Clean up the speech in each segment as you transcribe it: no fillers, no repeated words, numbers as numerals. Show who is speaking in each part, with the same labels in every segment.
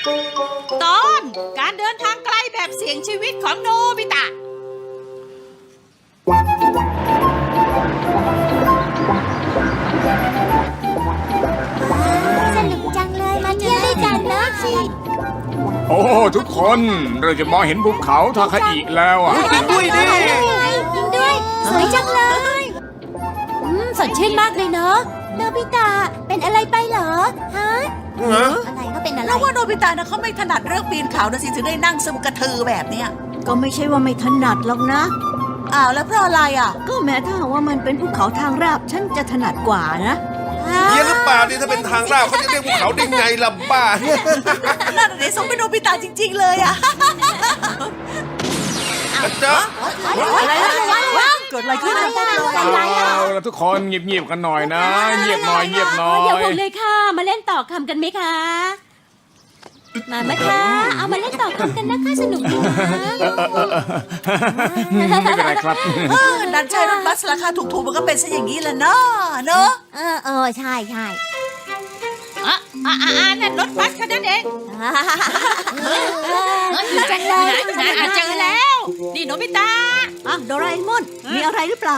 Speaker 1: ตอนการเดินทางไกลแบบเสี่ยงชีวิตของโนบิตะ
Speaker 2: สนุกจังเลยมาเที่ยวด้วยกันนะสิ
Speaker 3: โอ้ทุกคนเราจะมองเห็นภูเขาทาคาอิแล้วอ่ะ
Speaker 4: จริงด้วยดิ
Speaker 2: จริงด้วยสวยจังเลยสดชื่นมากเลยเนาะโนบิตะเป็นอะไรไปเหรอฮะอะไรก็เป็นอะไร
Speaker 5: เราว่าโนบิตะนะเขาไม่ถนัดเรื่องปีนเขานะสิถึงได้นั่งซึมกระทือแบบเนี้ย
Speaker 6: ก็ไม่ใช่ว่าไม่ถนัดหรอกนะ
Speaker 5: อ้าวแล้วเพราะอะไรอ่ะ
Speaker 6: ก็แม้ถ้าหากว่ามันเป็นภูเขาทางราบฉันจะถนัดกว่านะ
Speaker 4: เฮียหรือเปล่านี่ถ้าเป็นทางราบเขาจะเรียกภูเขาได้ไงล่ะบ้า
Speaker 5: นั่นเดี๋ยวสมเป็นโนบิตะจริงๆเลยอ่ะ
Speaker 4: จ๊ะ
Speaker 5: อะไรเกิดอะไรขึ้นอะ
Speaker 3: เอาละทุกคนเงียบๆกันหน่อยนะ เงียบหน่อยเงียบหน่อ
Speaker 2: อย่าย ห่วงเลยค่ะมาเล่นต่อคำกันไหมคะมาไหมคะเอามาเล่นต่อคำกันนะคะสนุกดีนะ
Speaker 3: ไม่เป็นไรครับ
Speaker 5: ดันใช้รถบัสราคาถูกๆมันก็เป็นซะอย่างนี้แหละเนาะเนอะ
Speaker 2: ใช่ใช่
Speaker 1: นั่นรถบัสคันนั้นเอง
Speaker 2: จังเลย
Speaker 1: เจอแล้ว นี่โนบิตะ
Speaker 6: อ่ะโดราเอมอนมีอะไรหรือเปล่า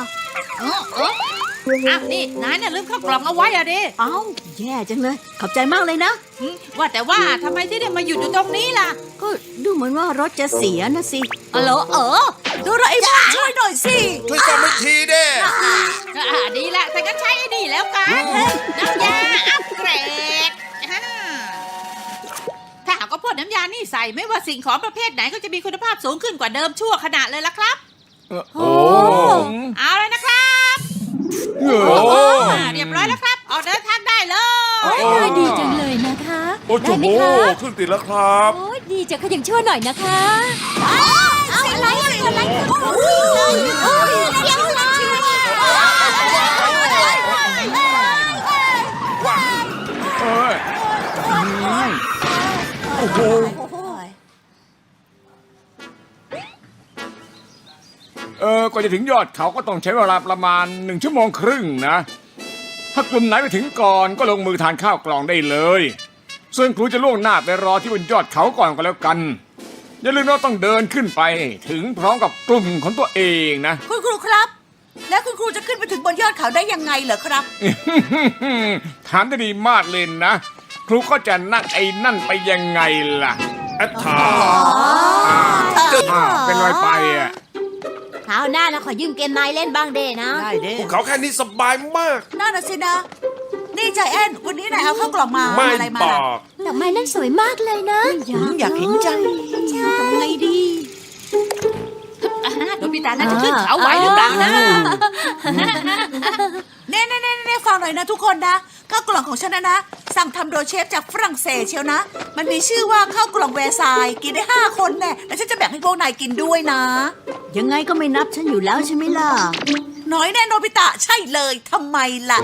Speaker 1: นี่นายน่ะลืมเข้ากล่องเอาไว้อะดิ
Speaker 6: เอ้าแย่จังเลย ขอบใจมากเลยนะ
Speaker 1: ว่าแต่ว่าทำไมที่ได้มาหยุดอยู่ตรงนี้ล่ะ
Speaker 6: ก็ดูเหมือนว่ารถจะเสียนะสิ
Speaker 1: เหรอ
Speaker 5: โดราเอมอนช่วยหน่อยสิ
Speaker 4: ช่วยซ่อมให้ทีเด้
Speaker 1: ดีละแต่ก็ใช้ไอ้นี่แล้วกันน้ำยาอัปเกรดถ้าหากว่าพ่นน้ำยานี่ใส่ไม่ว่าสิ่งของประเภทไหนก็จะมีคุณภาพสูงขึ้นกว่าเดิมชั่วขณะเลยล่ะครับ
Speaker 3: โอ้
Speaker 1: เอาเลยนะครับ
Speaker 3: โห
Speaker 1: เรียบร้อยแล้วครับ ออกเดินทางได้เลย
Speaker 2: ดีจังเลยนะคะ
Speaker 4: โอ้โหเครื่องติดแล้วครับ
Speaker 2: โอ้ดีจังขยังชั่วหน่อยนะคะเอาอะไรอะไรเดี๋ยวเลย
Speaker 3: เอ้ยโอ้โหกว่าจะถึงยอดเขาก็ต้องใช้เวลาประมาณ1 ชั่วโมงครึ่งนะ ถ้ากลุ่มไหนไปถึงก่อนก็ลงมือทานข้าวกล่องได้เลยส่วนครูจะล่วงหน้าไปรอที่บนยอดเขาก่อนก็แล้วกันอย่าลืมว่าต้องเดินขึ้นไปถึงพร้อมกับกลุ่มของตัวเองนะ
Speaker 5: คุณครูครับ แล้วคุณครูจะขึ้นไปถึงบนยอดเขาได้ยังไงเหรอครับ
Speaker 3: ถามได้ดีมากเลยนะ ครูก็จะนั่งไอ้นั่นไปยังไงล่ะ
Speaker 4: แอดทา
Speaker 3: เป็นรอยไปอ่ะ
Speaker 2: คราวหน้านะขอยืมเกมนายเล่นบ้างเด้นะ
Speaker 5: ได้เด้
Speaker 4: ภูเขาแค่นี้สบายมาก
Speaker 5: น่าน่ะสินะ นี่ใจแอนวันนี้นายเอาข้าวกล่องมา
Speaker 4: ไม่
Speaker 5: อะไรมา
Speaker 4: บ
Speaker 5: ล่ะ
Speaker 4: อก
Speaker 2: ดอกไม้นั่นสวยมากเลยนะ
Speaker 5: อยากเห็นจัง
Speaker 2: ใช่
Speaker 6: ไงดี
Speaker 1: โนบิตะน่าจะขึ้นเขาไหวหรือเปล่านะ
Speaker 5: เน่ฟังหน่อยนะทุกคนนะข้าวกล่องของฉันนะสั่งทำโดยเชฟจากฝรั่งเศสเชียวนะ มันมีชื่อว่าข้าวกล่องแวร์ซายน์กินได้5 คนแน่แล้วฉันจะแบ่งให้พวกนายกินด้วยนะ
Speaker 6: ยังไงก็ไม่นับฉันอยู่แล้วใช่ไหมล่ะ
Speaker 5: น้อยแน่โนบิตะใช่เลยทำไมล่ะ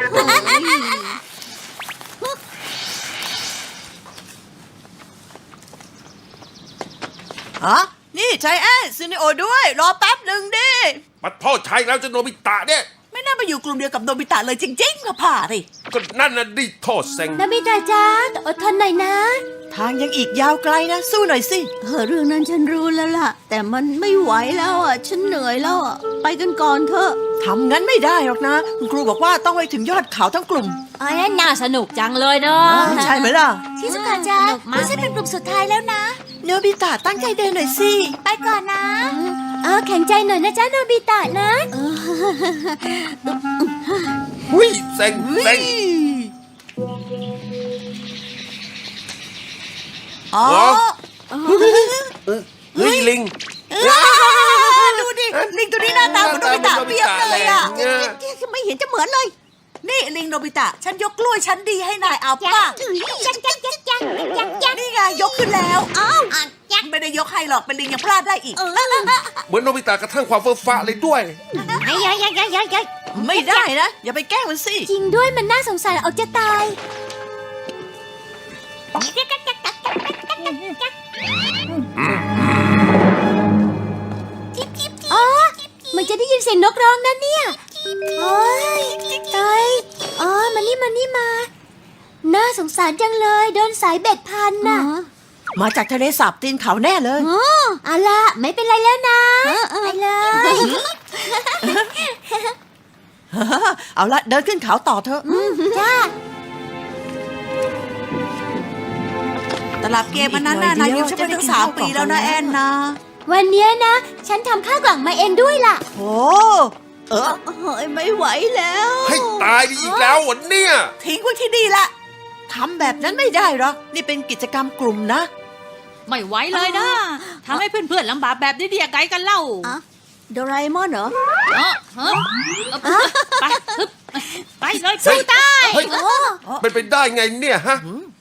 Speaker 5: ฮะนี่ใจแอนซินิโอด้วยรอแป๊บหนึ่งดิ
Speaker 4: มาโทษใช้แล้วจะโนบิตะเนี่ย
Speaker 5: ไม่น่ามาอยู่กลุ่มเดียวกับโนบิตะเลยจริงๆค่ะผ่าดิ
Speaker 4: ก็นั่นน่ะดิโทษเซ็ง
Speaker 2: นาบิตาจ้าอดทนหน่อยนะ
Speaker 5: ทางยังอีกยาวไกลนะ สู้หน่อยสิ
Speaker 6: เรื่องนั้นฉันรู้แล้วล่ะ แต่มันไม่ไหวแล้วอ่ะ ฉันเหนื่อยแล้วอ่ะ ไปกันก่อนเถอะ
Speaker 5: ทำงั้นไม่ได้หรอกนะ คุณครูบอกว่าต้องไปถึงยอดเขาทั้งกลุ่ม
Speaker 2: อ๋อน่าสนุกจังเลยเนาะ
Speaker 5: ใช่ไหมล่ะ
Speaker 2: ชิซุกะจ้าไม่ใช่เป็นกลุ่มสุดท้ายแล้วนะ
Speaker 5: โนบิตะตั้งใจเดินหน่อยสิ
Speaker 2: ไปก่อนนะแข็งใจหน่อยนะจ้าโนบิตะนะ
Speaker 4: หุ้ยเซ็งเซ็ง
Speaker 5: อ๋อ
Speaker 4: เฮ้ยลิง
Speaker 5: ดูดิ ลิงตัวนี้หน้าตาเหมือนโนบิตะเปียบเลยอ่ะ
Speaker 6: ไม่เห็นจะเหมือนเลย
Speaker 5: นี่ลิงโนบิตะ ฉันยกกล้วยชั้นดีให้นายเอาป่ะ
Speaker 2: จัง
Speaker 5: นี่ไงยกขึ้นแล้ว อ้าวไม่ได้ยกให้หรอก เป็นลิงยังพลาดได้อีก
Speaker 4: เหมือนโนบิตะกระทั่งความเฟ้อฟ้าเลยด้วย
Speaker 5: ไม่ได้นะ อย่าไปแกล้งมันสิ
Speaker 2: จริงด้วยมันน่าสงสารเอาจะตายอ๋อมันจะได้ยินเสียงนกร้องนั่นเนี่ยโอ้ยตายอ๋อมานี่มาน่าสงสารจังเลยโดนสายเบ็ดพันน่ะ
Speaker 5: มาจากทะเลสาบตีนเขาแน่เลย
Speaker 2: เอาล่ะไม่เป็นไรแล้วนะไปเลย
Speaker 5: เอาละเดินขึ้นเขาต่อเถอะ
Speaker 2: จ้า
Speaker 5: ตลับเกมอันนั้นน่ะนายอยู่ฉันไปตั้ง3 ปีแล้วนะแอนนะ
Speaker 2: วันเนี้ยนะ ฉันทำข้าวกล่องมาเองด้วยล่ะ
Speaker 5: โอ้เออ
Speaker 6: เฮ้ยไม่ไหวแล้ว
Speaker 4: ให้ตายดีอีกแล้ววันเนี่ย
Speaker 5: ทิ้งไว้ที่นี่ละทำแบบนั้นไม่ได้หรอกนี่เป็นกิจกรรมกลุ่มนะ
Speaker 1: ไม่ไหวเลยนะทำให้เพื่อนๆลำบากแบบนี้ได้ยังไงกันเล่า
Speaker 6: โดราเอมอนเหรอ
Speaker 1: ฮะไปฮึบไปเลยสู้ตาย
Speaker 4: เฮ้ยเป็นไปได้ไงเนี่ยฮะ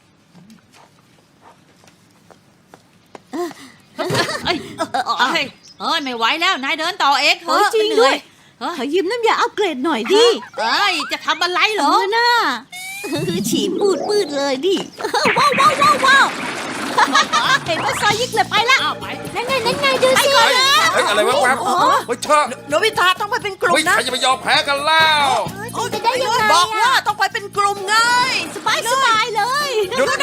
Speaker 1: เอ้ยไม่ไหวแล้วนายเดินต่อเองเถ
Speaker 6: เฮ้
Speaker 1: อะ
Speaker 6: ยจริง
Speaker 1: เหนื่
Speaker 6: ด้
Speaker 1: อ
Speaker 6: วย ขอยืมน้ำยาอัปเกรดหน่อยดิ
Speaker 1: เอ้ยจะทำอะไรเหรอ
Speaker 6: น่าฉีดปืดเลยดิ ว้าวเห็นว่าซอยยิกเลยไปละ
Speaker 1: อ้าวไป
Speaker 2: นั่นไงดูสิ
Speaker 4: เฮ้ยอะไรวะแวบเฮ้ยเชอะ
Speaker 5: โนบิตะต้องไปเป็นกลุ่
Speaker 4: เฮ้
Speaker 5: ม
Speaker 4: ย
Speaker 5: นะ
Speaker 4: ใครจะไปยอมแพ้กันแล้ว
Speaker 2: จะได้ยังไง
Speaker 5: บอกว่าต้องไปเป็นกลุ่มไง
Speaker 6: สบายเลย
Speaker 4: หยุดนะ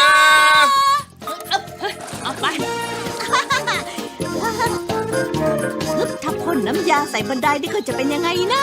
Speaker 1: เอาไป
Speaker 6: ถ้าพ่นน้ำยาใส่บันไดนี่ก็จะเป็นยังไงนะ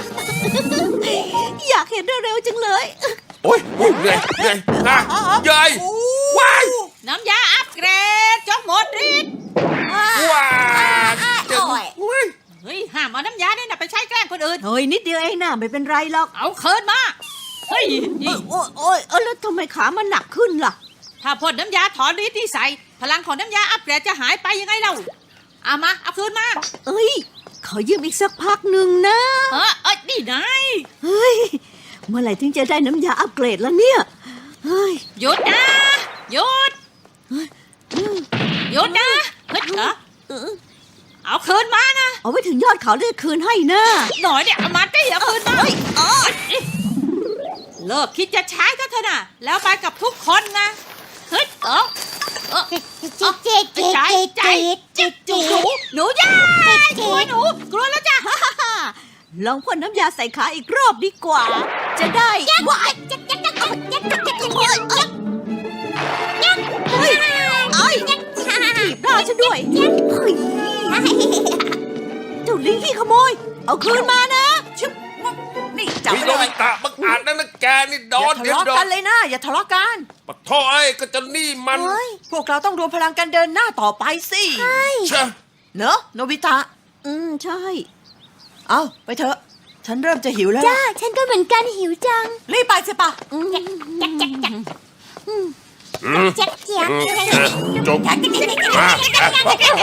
Speaker 6: อยากเห็นเร็วๆจังเลย
Speaker 4: โอ้ยเหนื่อยนะใหญ่ว้าย
Speaker 1: น้ำยาอัปเกรดจงหมดฤทธิ์
Speaker 4: ว้ายเจ็บอุ้ย
Speaker 1: เฮ้ยห้ามเอาน้ำยาเนี่ยนะไปใช้แกล้งคนอื่น
Speaker 6: เฮ้ยนิดเดียวเองนะไม่เป็นไรหรอก
Speaker 1: เอาคืนมาเฮ้ยนี่
Speaker 6: โอ้ยแล้วทำไมขามันหนักขึ้นล่ะ
Speaker 1: ถ้าพ่นน้ำยาถอนฤทธิ์ที่ใส่พลังของน้ำยาอัปเกรดจะหายไปยังไงเล่าเอามาเอาคืนมา
Speaker 6: เอ้ย ขอยืมอีกสักพักหนึ่งนะ
Speaker 1: นี่นาย
Speaker 6: เฮ้ย เมื่อไหร่ถึงจะได้น้ำยาอัปเกรดแล้วเนี่ย เฮ้ย
Speaker 1: หยุดนะหยุดหยุดนะเฮ้ยเอาคืนมานะ
Speaker 6: เอาไว้ถึงยอดเขาได้คืนให้นะ
Speaker 1: หน่อยเนี่ยเอามาได้เอาคืนมาเลิกคิดจะใช้ก็เถอะนะแล้วไปกับทุกคนนะเฮ้ยหนูย่ากลัวหนูกลัวแล้วจ้ะ
Speaker 6: ลองพ่นน้ำยาใส่ขาอีกรอบดีกว่า จะได้ว้ายถีบหน้าฉันด้วยเฮ้ยเจ้าลิงขี้ขโมย เอาคืนมานะ
Speaker 5: ชึบนี่จับ
Speaker 4: วิ
Speaker 5: ไป
Speaker 4: โน
Speaker 5: เล
Speaker 4: บิ
Speaker 5: ย
Speaker 4: ตะบังอาจนั่นนะแกนี่โด
Speaker 5: อย่าน ทะ
Speaker 4: เดี๋ยว
Speaker 5: เลาะ
Speaker 4: โด
Speaker 5: กัน นเลยนะ อย่าทะเลาะกัน
Speaker 4: ปะท่อไอ้ก็จะนี่มัน
Speaker 5: พวกเราต้องรวมพลังกันเดินหน้าต่อไปสิ
Speaker 4: เชอะ
Speaker 5: เนอะโนบิตะ
Speaker 6: ใช่
Speaker 5: เอาไปเถอะ ฉันเริ่มจะหิวแล้ว
Speaker 2: จ้า
Speaker 5: ล่ะ
Speaker 2: ฉันก็เหมือนกันหิวจัง
Speaker 5: รีบไปสิปะ
Speaker 4: จบมา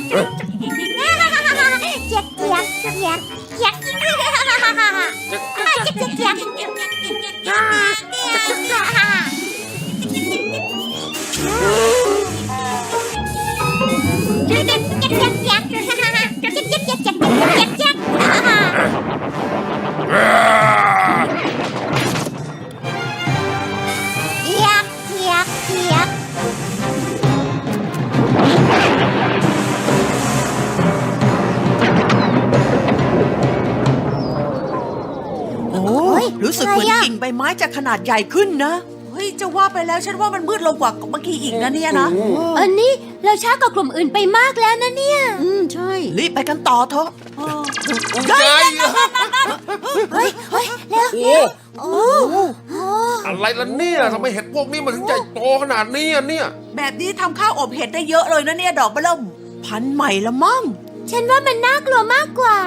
Speaker 5: รู้สึกเหมือนกิ่งใบไม้จะขนาดใหญ่ขึ้นนะ เฮ้ย จะว่าไปแล้วฉันว่ามันมืดลงกว่าเมื่อกี้อีกนะเนี่ยนะ
Speaker 2: อันนี้เราช้ากว่ากลุ่มอื่นไปมากแล้วนะเนี่ย
Speaker 6: ใช่
Speaker 5: รีบไปกันต่อเถอะ
Speaker 4: ใหญ่
Speaker 2: เฮ้ยแล้ว
Speaker 4: โอ้อะไรล่ะเนี่ยทำไมเห็ดพวกนี้มันถึงใหญ่โตขนาดนี้อ่ะเนี่ย
Speaker 5: แบบนี้ทำข้าวอบเห็ดได้เยอะเลยนะเนี่ยดอกเบะเริ่มพันใหม่ละมั่ง
Speaker 2: ฉันว่ามันน่ากลัวมากกว่า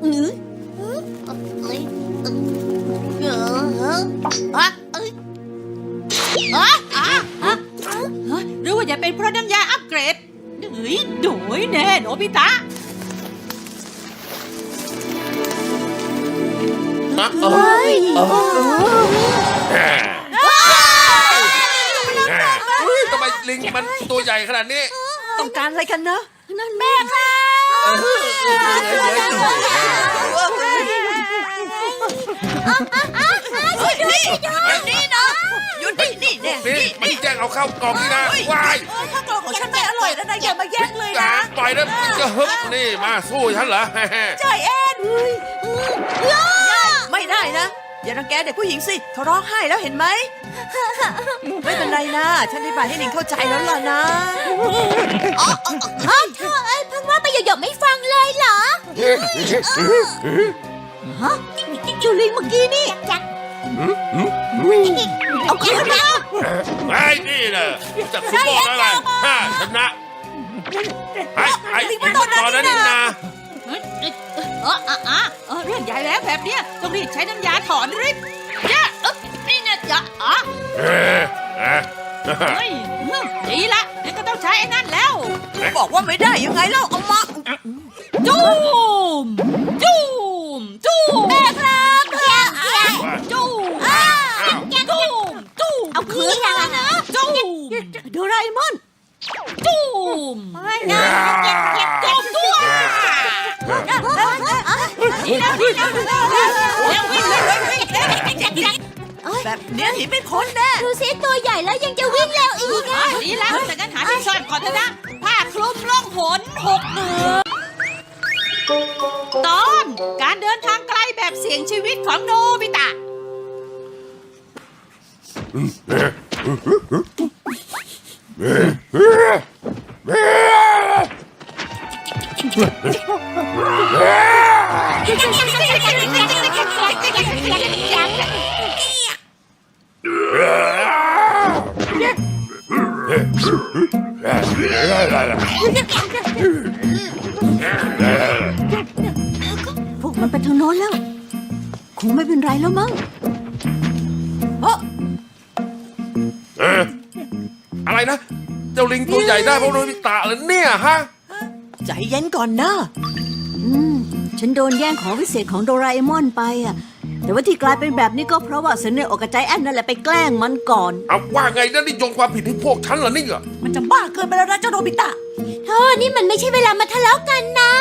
Speaker 1: หรือว่าจะเป็นเพราะน้ำยาอัปเกรดเฮ้ยโดยแน่โนบิตะ
Speaker 2: เฮ้ย
Speaker 4: ทำไมลิงมันตัวใหญ่ขนาดนี้
Speaker 5: ต้องการอะไรกันนะ
Speaker 6: นั่นแม่ค่ะ
Speaker 5: นี่นะหยุดนี่เนี่ย
Speaker 4: นี่มันแย่งเอาข้าวกล่องนี่นะวาย
Speaker 5: ข้าวกล่องของฉันไม่อร่อยแล้วนะอย่ามาแย่งเลยนะ
Speaker 4: ปล่อยนะจะฮึบนี่มาสู้ฉันเหรอ
Speaker 5: ใจแอนไม่ได้นะ อย่าอย่ารังแกเด็กผู้หญิงสิเขาร้องไห้แล้วเห็นไหม ไม่เป็นไรนะ ฉันได้บายให้หนิงเข้าใจแล้วล่ะนะ
Speaker 2: เธอเอ้ยเพิ่งว่าไปหยกๆไม่ฟังเลยเหรอ
Speaker 6: ฮะจูลิงเมื่อกี้นี่เอาคืนมา
Speaker 4: ไอ้นี่นะจับฟุตบอลอะไรชนะไอ้ลิงตอนนั้นนี่นะ
Speaker 1: เรื่องใหญ่แล้วแบบเนี้ยต้องรีบใช้น้ำยาถอนฤทธิ์จ้านี่นะจ๊ะเฮ้ยดีละงั้นก็ต้องใช้ไอ้นั่นแล้ว
Speaker 5: บอกว่าไม่ได้ยังไงเล่าเอามา
Speaker 1: จูมจูมจูม
Speaker 2: แม่ครับ
Speaker 1: จู
Speaker 2: จู
Speaker 1: มจูมจูม
Speaker 2: เอาคืนมานะ
Speaker 1: จูม
Speaker 6: โดราเอมอน
Speaker 1: จูมจูมตัวนี่นะนี่นะแล้ววิ่ง
Speaker 5: แบบเนี้ยหนีไม่พ้นแน่
Speaker 2: ดูสิตัวใหญ่แล้วยังจะวิ่งเร็วอีกอ่ะ
Speaker 1: ดีแล้วแต่งั้นหาที่ซ่อนก่อนเถอะนะผ้าคลุมล่องหน6 มือตอนการเดินทางไกลแบบเสี่ยงชีวิตของโนบิตะ
Speaker 6: พวกมันไปทางโน้นแล้ว คงไม่เป็นไรแล้วมั้ง
Speaker 4: อะไรนะ เจ้าลิงตัวใหญ่ได้เพราะโนบิตะเหรอเนี่ยฮะ
Speaker 5: ใจเย็นก่อนนะ
Speaker 6: ฉันโดนแย่งของวิเศษของโดราเอมอนไปอ่ะ แต่ว่าที่กลายเป็นแบบนี้ก็เพราะว่าเซนเนอร์อกบใจแอนนั่นแหละไปแกล้งมันก่อน
Speaker 4: เอาว่าไงนะนี่โยงความผิดให้พวกฉันเหรอนี่เหรอ
Speaker 5: มันจะบ้าเกินไปแล้วนะเจ้าโนบิตะ
Speaker 2: เธอนี่มันไม่ใช่เวลามาทะเลาะกันนะ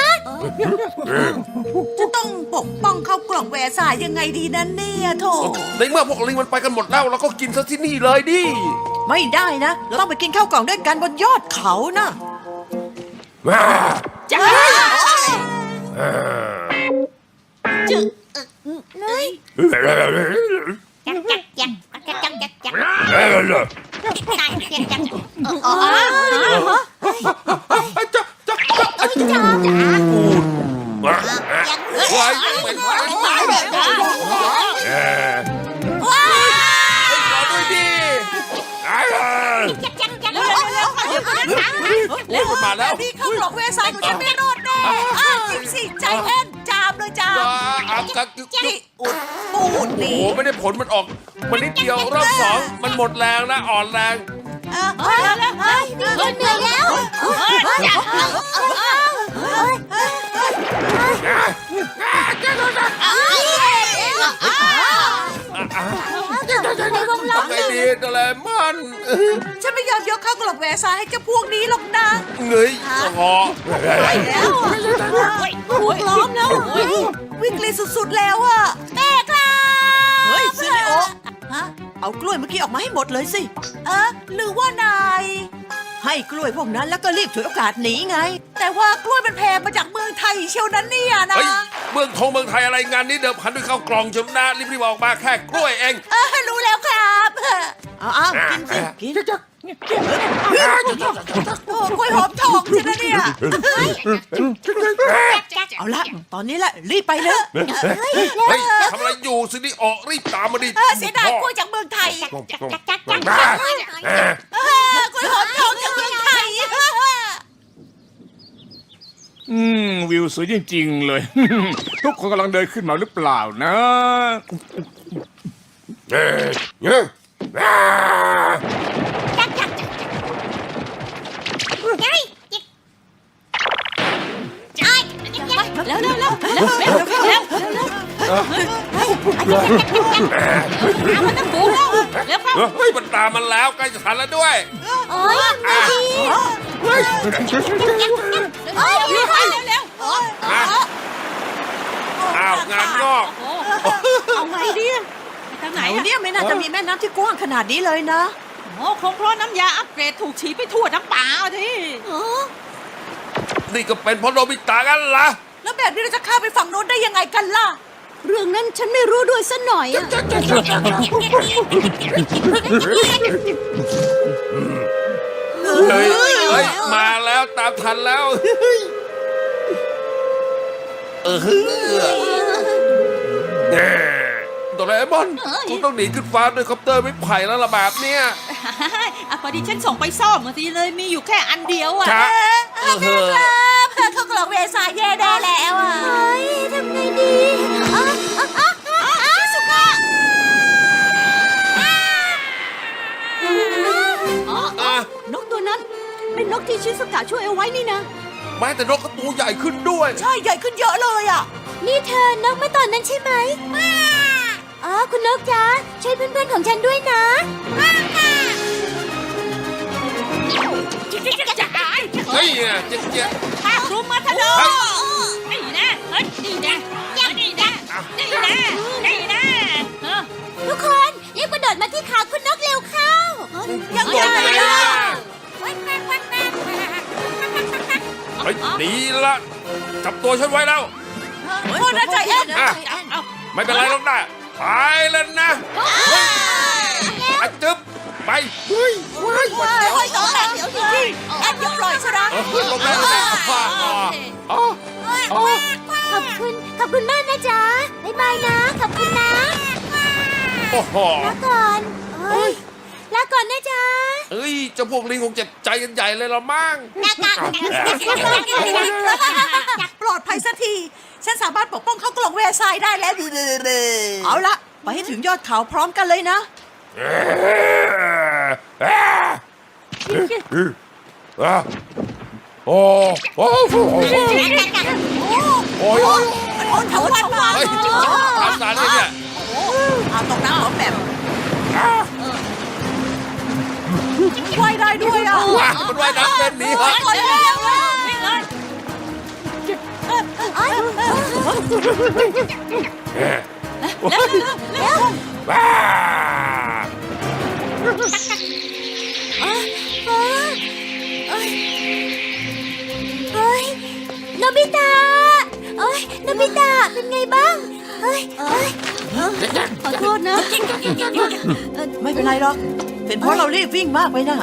Speaker 5: จะต้องปกป้องเข้ากล่องแวร์สายยังไงดีนั่นเนี่ยโถ
Speaker 4: ในเมื่อพวกลิงมันไปกันหมดแล้วเราก็กินซะที่นี่เลยดิ
Speaker 5: ไม่ได้นะเราต้องไปกินข้าวกล่องด้วยกันบนยอดเขานะ
Speaker 1: จ้า
Speaker 4: ไว้เป็นไว้ตายเลยรอด้วยดิเร็วมาแล้ว
Speaker 5: นี่ข้าวกล่องแวร์สายของฉันไม่รอดแน่จริงสิใจแอนจามเลยจาม
Speaker 4: อับกัก
Speaker 5: นี่อุดปูด
Speaker 4: โอ้
Speaker 5: นี่
Speaker 4: โหไม่ได้ผลมันออกมันนิดเดียวรอบสองมันหมดแรงนะอ่อนแรง
Speaker 2: คนเหนื่อยแล้ว
Speaker 4: ทำไงดีโดเรมอน
Speaker 5: ฉันไม่ยอมยกข้าวกล่องแวร์สายให้เจ้าพวกนี้หรอกนะ
Speaker 4: เงยคอ
Speaker 5: แล้ว
Speaker 1: ล้อมแล้ว
Speaker 5: วิกฤตสุดๆแล้วอะ
Speaker 2: แม่ครับ
Speaker 5: เฮ้ยซิริโอฮะเอากล้วยเมื่อกี้ออกมาให้หมดเลยสิหรือว่านายให้กล้วยพวกนั้นแล้วก็รีบฉวยโอกาสหนีไง แต่ว่ากล้วยมันแพงมาจากเมืองไทยเชียวนั้นเนี่ยนะ
Speaker 4: เฮ้ยเมืองไทยอะไรงานนี้เดิมพันด้วยข้าวกล่องชมนะรีบๆออกมาแค่กล้วยเอง
Speaker 5: รู้แล้วครับเอากินสิกินโอ้กล้วยหอมทองใช่ไหมเนี่ย เอาละตอนนี้แหละรีบไปเลย
Speaker 4: เฮ้ยทำอะไรอยู่สินี่ออกรีบตามมาดิ
Speaker 5: เสียดายกล้วยจากเมืองไทย
Speaker 4: บ้าก
Speaker 5: ล้วยหอมทองจากเมืองไทย
Speaker 3: วิวสวยจริงๆเลย ทุกคนกำลังเดินขึ้นมาหรือเปล่านะ
Speaker 1: แล้วมันต้องปูแล้วแล้วเข้า
Speaker 4: เฮ้ยมันตามมันแล้วใกล้จะทันแล้วด้วย
Speaker 2: โอ้ยไม่ดี
Speaker 1: เร็ว
Speaker 4: อ้าวงานงอก
Speaker 6: เอาไงดี
Speaker 1: ทางไหน
Speaker 5: ไหนเนี่ยไม่น่าจะมีแม่น้ำที่กว้างขนาดนี้เลยนะ
Speaker 1: โอ้คงเพราะน้ำยาอัปเกรดถูกฉีดไปทั่วทั้งป่าที่
Speaker 4: นี่ก็เป็นเพราะโนบิตะกันล่ะ
Speaker 5: แล้วแบบนี้เราจะข้ามไปฝั่งโน้นได้ยังไงกันล่ะ
Speaker 6: เรื่องนั้นฉันไม่รู้ด้วยสักหน่อยอะ
Speaker 4: เฮ้ยมาแล้วตามทันแล้วโดราเอมอนคุณต้องหนีขึ้นฟ้าด้วยคอปเตอร์ไม่ไผ่แล้วละแบบเนี้ย
Speaker 1: อ่ะพอดีฉันส่งไปซ่อมมาทีเลยมีอยู่แค่อันเดียวอ่ะ
Speaker 4: ช้า
Speaker 5: เพื่อนเขากล่องเวสายแย่ได้แล้วอ่ะ
Speaker 2: เฮ้ยทำไงดีชิสุกะ
Speaker 6: นกตัวนั้นเป็นนกที่ชิสุกะช่วยเอาไว้นี่นะ
Speaker 4: แม้แต่นกก็ตัวใหญ่ขึ้นด้วย
Speaker 5: ใช่ใหญ่ขึ้นเยอะเลยอ่ะ
Speaker 2: นี่เธอนกเมื่อตอนนั้นใช่ไหมอ๋อคุณนกจ๊ะช่วยเพื่อนๆของฉันด้วยนะ
Speaker 4: เฮ้ยเจ๊ะ
Speaker 1: ภาครุมมาทะโลนี่นะเฮ้ยนี่นะนี่นะนี่นะนี่นะเออ
Speaker 2: ทุกคนรีบกระโดดมาที่ขาคุณนกเร็วเข้า
Speaker 5: ยัง
Speaker 4: ตัว
Speaker 5: ไง
Speaker 4: ใหญ่
Speaker 5: ล่ะ
Speaker 4: เฮ้ยหนีละจับตัวฉันไว้แล้ว
Speaker 5: โทษนะใจแอน
Speaker 1: เอา
Speaker 4: ไม่เป็นไรหรอกนะไปแล้วนะอ่ะจึ๊บไปเฮ้ย
Speaker 5: เฮ้ยต่อหลังเดี๋ยวจริงๆแอนอย่าปล่อยซะนะ
Speaker 4: ลงแล้วอ๋อ
Speaker 2: ขอบคุณมากนะจ๊ะบ๊ายบายนะขอบคุณนะ
Speaker 4: โอ้โห
Speaker 2: ลาก่อนเอ้ยลาก่อนนะจ๊ะ
Speaker 4: เอ้ยเจ้าพวกลิงคงเจ็บใจกันใหญ่เลยละมั้ง
Speaker 5: ปลอดภัยสักที ฉันสามารถปกป้องเขากล่องเวสายได้แล้วเอาละไปให้ถึงยอดเขาพร้อมกันเลยนะ
Speaker 4: โอ้โหโอ้ย
Speaker 5: มันโอนทั้งวันมา
Speaker 4: เฮ้ยทำสารเลยเนี่ย
Speaker 5: เอาตรงน้ำหอมแบบว่ายได้ด้วยอ่ะ
Speaker 4: ว้ามันว่ายน้ำเป็นหนีเหรอ
Speaker 5: คนเร็วเลย
Speaker 1: นี่เลย
Speaker 4: ว้า
Speaker 2: เฮ้ยโนบิตะเอ้ยโนบิตะเป็นไงบ้างเฮ้ย
Speaker 6: ขอโทษนะ
Speaker 5: ไม่เป็นไรหรอก เป็นเพราะเรารีบวิ่งมากไปน่ะ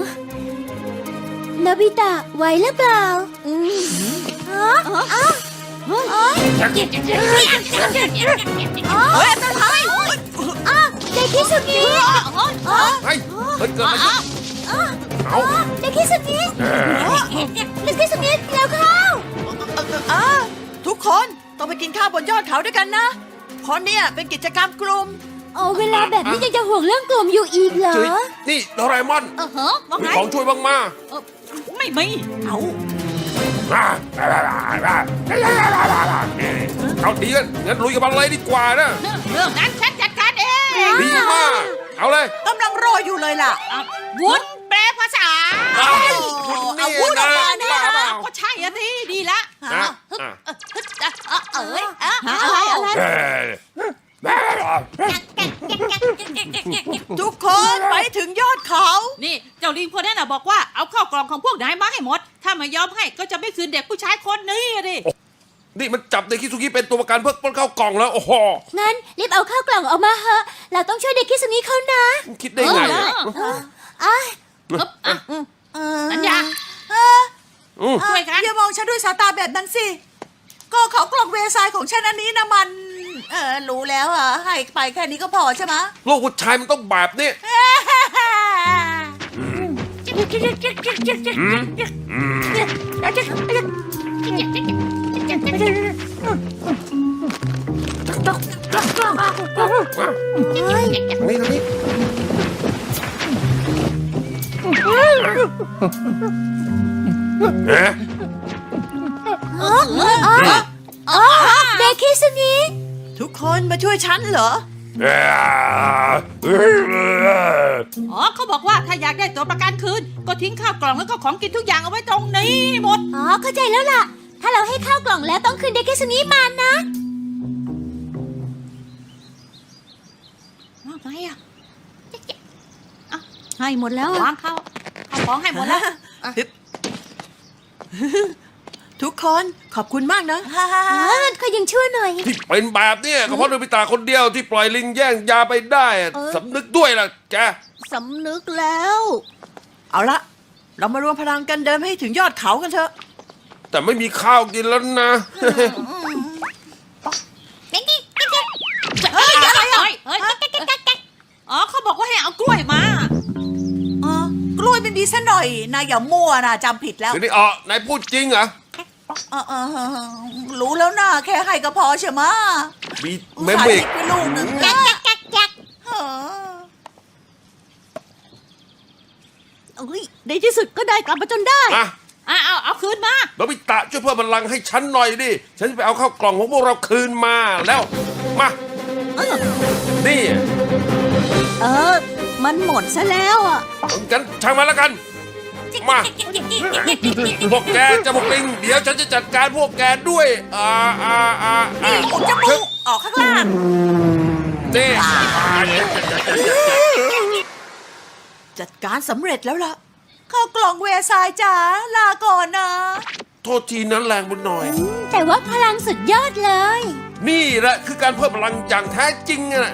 Speaker 2: โนบิตะไหวหรือเปล่าฮะเฮ้ยอันตรายเด็กคิสุงิ
Speaker 4: เฮ้ยเกิดอะไรขึ้นเอา
Speaker 2: เด็กคิสุงิเด็กคิสุงิเร็วเข้า
Speaker 5: ทุกคนต้องไปกินข้าวบนยอดเขาด้วยกันนะเพราะเนี่ยเป็นกิจกรรมกลุ่ม
Speaker 2: โอ้เวลาแบบนี้ยังจะห่วงเรื่องกลุ่มอยู่อีกเหรอ
Speaker 4: จุ๊ยนี่โดราเอมอน
Speaker 1: ว่า
Speaker 4: มี
Speaker 1: ไง
Speaker 4: ของช่วยบ้างมา
Speaker 1: ไม่มี
Speaker 4: เอาดีกันงั้นลุยกับมันเลยดีกว่านะ
Speaker 1: เรื่องนั้นฉันจัดการเอง
Speaker 4: ดีมากเอาเลย
Speaker 5: กำลังรออยู่เลยล่ะ
Speaker 1: วุ้นแปลภาษา
Speaker 5: เอาวุ้นออกมาเนี่ย
Speaker 1: ก็ใช่อะสิดีละ
Speaker 5: ทุกคนไปถึงยอดเขา
Speaker 1: นี่เจ้าลิงคนนั้นน่ะบอกว่าเอาเข้ากล่องของพวกนายมาให้หมด ถ้าไม่ยอมให้ก็จะไม่คืนเด็กผู้ชายคนนี้ดิ
Speaker 4: นี่มันจับเด็กคิสุกิเป็นตัวประกันเพื่อปล้นเข้ากล่องแล้วโอ้โห
Speaker 2: งั้นรีบเอาข้าวกล่องออกมาเถอะเราต้องช่วยเด็กคิสุงิเขานะ
Speaker 4: คิดได้ไง
Speaker 1: สัญญาช่วยกัน
Speaker 5: อย่ามองฉันด้วยสายตาแบบนั้นสิ ก็เขากล่องเวสายของฉันอันนี้นะมัน รู้แล้วอ่ะ ให้ไปแค่นี้ก็พอใช่ไหม
Speaker 4: ลูกผู้ชายมันต้องแบบนี้นี่นี่เอ๊ะ
Speaker 2: เด็กคิสุงิ
Speaker 5: ทุกคนมาช่วยฉันเหรอ
Speaker 1: อ๋อเขาบอกว่าถ้าอยากได้ตัวประกันคืนก็ทิ้งข้าวกล่องแล้วก็ของกินทุกอย่างเอาไว้ตรงนี้หมด
Speaker 2: อ๋อเข้าใจแล้วล่ะ ถ้าเราให้ข้าวกล่องแล้วต้องคืนเด็กคิสุงิมานะ
Speaker 1: ไงอ่ะ
Speaker 6: ให้หมดแล้ว
Speaker 1: วางเข้าเอาของให้หมดแล้ว
Speaker 5: ทุกคนขอบคุณมากนะ
Speaker 2: ก็ยังชั่วหน่อย
Speaker 4: ที่เป็นแบบเนี้ยก็เพราะโนบิตะคนเดียวที่ปล่อยลิงแย่งยาไปได้อะสำนึกด้วยล่ะแก
Speaker 6: สำนึกแล้ว
Speaker 5: เอาละเรามารวมพลังกันเดินไปให้ถึงยอดเขากันเถอะ
Speaker 4: แต่ไม่มีข้าวกินแล้วนะ
Speaker 1: เฮ้ยอ๋อเขาบอกว่าให้เอากล้วยมา
Speaker 5: กล้วยไม่มีซะหน่อยนายอย่ามั่วนะจำผิดแล้ว
Speaker 4: เดี๋ยวนี้นายพูดจริงเหรอ
Speaker 5: รู้แล้วนะแค่ให้ก็พอใช่ไหมะ
Speaker 4: มีเมมอีก
Speaker 5: ไปลูกหนึ่งนะ
Speaker 6: ในที่สุดก็ได้กลับมาจนได้
Speaker 4: มา
Speaker 1: เอาคืนมา
Speaker 4: โนบิตะช่วยเพิ่มพลังให้ฉันหน่อยดิ ฉันจะไปเอาข้าวกล่องของพวกเราคืนมาแล้ว มา นี่
Speaker 6: มันหมดซะแล้วอ่ะ
Speaker 4: งั้นช่างมันแล้วกัน มาพวกแกจะพวกลิง เดี๋ยวฉันจะจัดการพวกแกด้วย
Speaker 5: นี่อุดจมูกออกข้างล่าง
Speaker 4: นี่
Speaker 5: จัดการสำเร็จแล้วล่ะเข้ากล่องเวซายจ๋าลาก่อนนะ
Speaker 4: โทษทีนั้นแรงไปหน่อย
Speaker 2: แต่ว่าพลังสุดยอดเลย
Speaker 4: นี่แหละคือการเพิ่มพลังอย่างแท้จริงอะ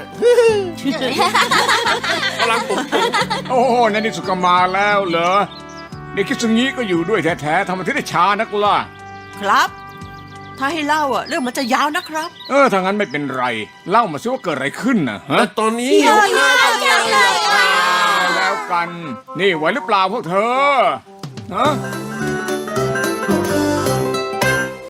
Speaker 4: พลังปุ่ม
Speaker 3: โอ้โหในที่สุดก็มาแล้วเหรอ เด็กคิดสึงี้ก็อยู่ด้วยแท้ๆทำไมถึงได้ช้านักล่ะ
Speaker 5: ครับ ถ้าให้เล่าเรื่องมันจะยาวนะครับ
Speaker 3: ถ้างั้นไม่เป็นไร เล่ามาสิว่าเกิดอะไรขึ้นนะฮะ
Speaker 4: แต่ตอนนี้หิวข้าวจังเลย
Speaker 3: แล้วกัน นี่ไหวหรือเปล่าพวกเธอฮะ